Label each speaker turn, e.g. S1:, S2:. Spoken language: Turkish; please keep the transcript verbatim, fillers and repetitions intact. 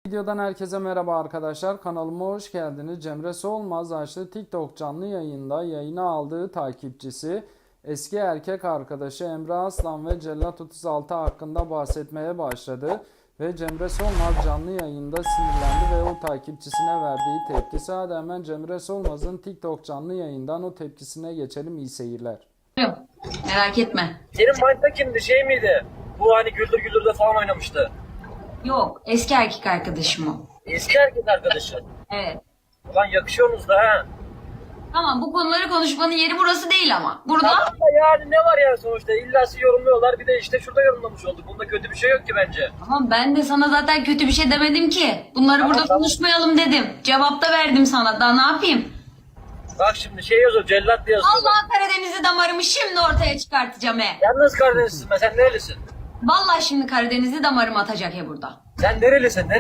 S1: Videodan herkese merhaba arkadaşlar. Kanalıma hoş geldiniz. Cemre Solmaz açtı TikTok canlı yayında yayına aldığı takipçisi eski erkek arkadaşı Emre Aslan ve Cellat otuz altı hakkında bahsetmeye başladı. Ve Cemre Solmaz canlı yayında sinirlendi ve o takipçisine verdiği tepkisi. Hadi hemen Cemre Solmaz'ın TikTok canlı yayından o tepkisine geçelim. İyi seyirler.
S2: Yok, merak etme.
S3: Senin Mind'da kimdi, şey miydi? Bu hani Güldür Güldür'de falan oynamıştı.
S2: Yok, eski erkek arkadaşım o.
S3: Eski erkek arkadaşı.
S2: Evet.
S3: Ulan yakışıyorsunuz da ha.
S2: Tamam, bu konuları konuşmanın yeri burası değil ama. Burada
S3: Ama yani ne var ya sonuçta? İlla yorumluyorlar, bir de işte şurada yorumlamış olduk. Bunda kötü bir şey yok ki bence.
S2: tamam, ben de sana zaten kötü bir şey demedim ki. Bunları burada
S3: tamam.
S2: konuşmayalım dedim. Cevap da verdim sana. Daha ne yapayım?
S3: Bak şimdi şey yazıyor, cellat diye yazıyor.
S2: Allah Karadeniz'i damarımı şimdi ortaya çıkartacağım he.
S3: Yalnız Karadenizlisin be, sen nerelisin?
S2: Vallahi şimdi Karadeniz'i damarımı atacak he burada.
S3: Sen nerelisin?